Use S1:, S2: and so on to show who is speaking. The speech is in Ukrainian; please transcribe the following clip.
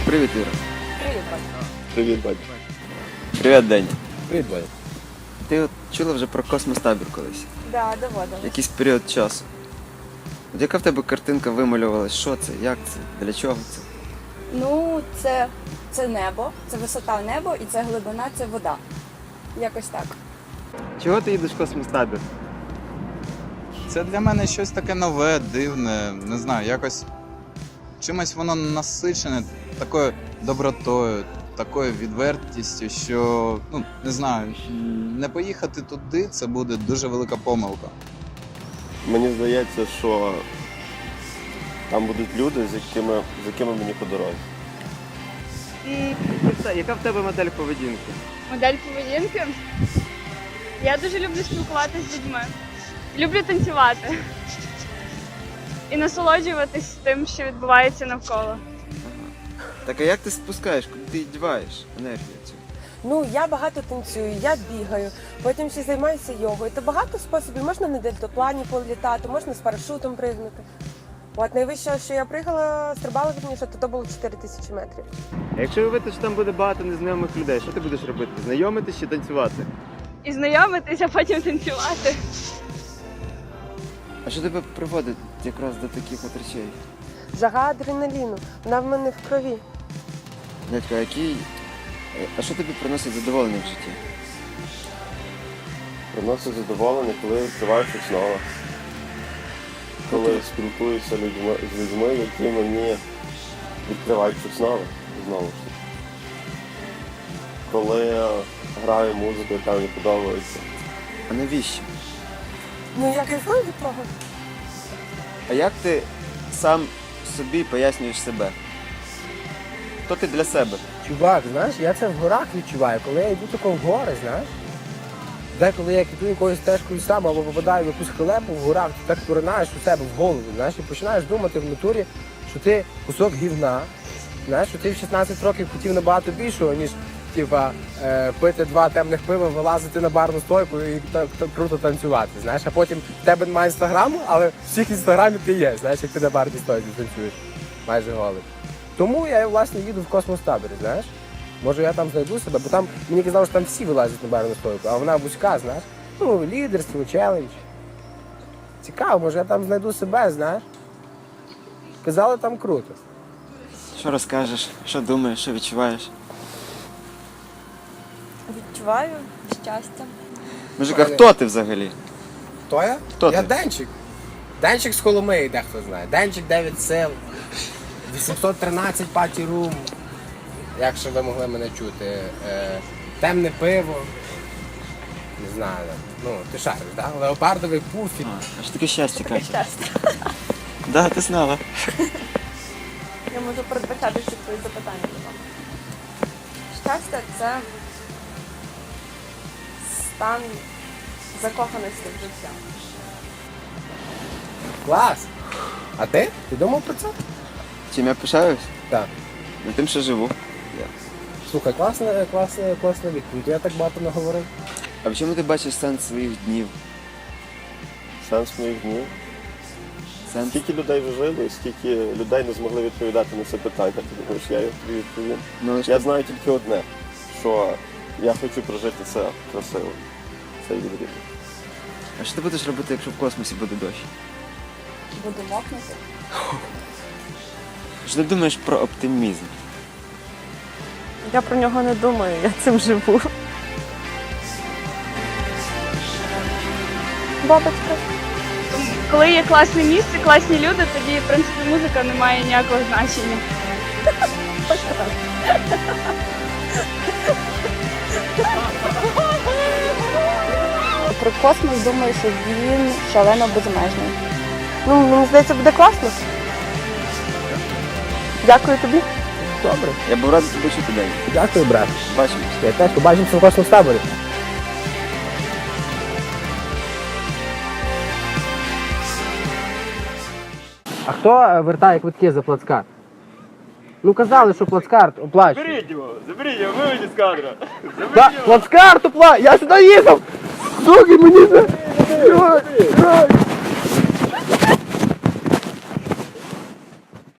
S1: Привіт, Іра.
S2: Привіт, Ваня.
S3: Привіт, батько.
S1: Привіт, День.
S3: Привіт, Ваня.
S1: Ти от чула вже про космостабір колись?
S2: Да, доводилось.
S1: Якийсь період часу. От яка в тебе картинка вималювалась? Що це? Як це? Для чого це?
S2: Ну, це небо, це висота неба і це глибина, це вода. Якось так.
S1: Чого ти їдеш в космостабір?
S4: Це для мене щось таке нове, дивне, не знаю, якось чимось воно насичене такою добротою, такою відвертістю, що, ну, не знаю, не поїхати туди – це буде дуже велика помилка.
S3: Мені здається, що там будуть люди, з якими мені по дорозі.
S1: Яка в тебе модель поведінки?
S5: Модель поведінки. Я дуже люблю спілкуватися з людьми. Люблю танцювати. І насолоджуватись тим, що відбувається навколо.
S1: Так а як ти спускаєш? Куди ти діваєш енергію цю?
S6: Ну, я багато танцюю, я бігаю, потім ще займаюся йогою. То багато способів. Можна на дельтаплані політати, можна з парашутом пригнути. От найвище, що я пригала, стрибала вірніше, то було 4000 метрів.
S7: А якщо уявити, що там буде багато незнайомих людей, що ти будеш робити? Знайомитись чи танцювати?
S5: І знайомитись, а потім танцювати.
S1: А що тебе приводить якраз до таких от речей?
S6: Жага адреналіну, вона в мене в крові.
S1: Дядько, а що тобі приносить задоволення в житті?
S3: Приносить задоволення, коли відкриваюся знову. Коли спілкуюся з людьми, які мені відкривають щось нове, знову ж таки. Коли граю музику, яка мені подобається.
S1: А навіщо?
S6: Ну, я кайфую від того.
S1: А як ти сам собі пояснюєш себе? Хто ти для себе?
S8: Чувак, знаєш, я це в горах відчуваю, коли я йду тако в гори, знаєш. Деколи я йду якоюсь стежкою сам або попадаю в якусь халепу в горах, ти так поринаєш у себе в голову, знаєш, і починаєш думати в натурі, що ти кусок гівна, знаєш, що ти в 16 років хотів набагато більшого, ніж пити 2 темних пива, вилазити на барну стойку і так круто танцювати, знаєш, а потім в тебе немає інстаграму, але в всіх інстаграмі ти є, знаєш, як ти на барній стойці танцюєш, майже голий. Тому я, власне, їду в космостабір, знаєш. Може я там знайду себе, бо там мені казали, що там всі вилазять на барну стойку, а вона вузька, знаєш. Ну, лідерство, челендж. Цікаво, може я там знайду себе, знаєш. Казали, там круто.
S1: Що розкажеш? Що думаєш, що відчуваєш?
S2: Відчуваю щастя.
S1: Мужик, а хто ти взагалі?
S8: Хто я?
S1: Хто
S8: Я
S1: ти?
S8: Денчик. Денчик з Коломиї, дехто знає. Денчик 9 сил. 813 паті рум. Якщо ви могли мене чути. Темне пиво. Не знаю. Ну, ти шариш, так? Да? Леопардовий пуфік.
S1: А що таке щастя, Катя?
S2: Щастя.
S1: Да, ти знала.
S2: Я можу передбачати всі твої запитання до вас. Щастя – це стан закоханості в життя.
S8: Клас! А ти? Ти думав про це?
S1: Чим я пишаюсь?
S8: Так.
S1: Ну, тим, що живу.
S8: Слухай, класна відповідь. Я так багато наговорив.
S1: А в чому ти бачиш сенс своїх днів?
S3: Сенс моїх днів.
S1: Сенс?
S3: Скільки людей вже жили, скільки людей не змогли відповідати на це питання, ти думаєш, я їх тобі відповім.
S1: Ну,
S3: Я знаю тільки одне, що я хочу прожити це красиво. Це відрізно.
S1: А що ти будеш робити, якщо в космосі буде дощ?
S2: Буду мокнути.
S1: Що ти думаєш про оптимізм?
S9: Я про нього не думаю, я цим живу.
S2: Бабочка.
S5: Коли є класне місце, класні люди, тоді, в принципі, музика не має ніякого значення.
S2: Про космос думаю, що він шалено безмежний.
S6: Ну, мені здається, буде класно. Дякую тобі.
S8: Добре.
S1: Я був радий тебе чути, День.
S8: Дякую, брат.
S1: Бачимось.
S8: Я теж побачимося в космостаборі. А хто вертає квитки за плацкарт? Ну казали, що плацкарт оплачує.
S7: Заберіть його, виведіть з кадра.
S8: Так, плацкарт оплачує! Я сюди їхав! Суки, мені це...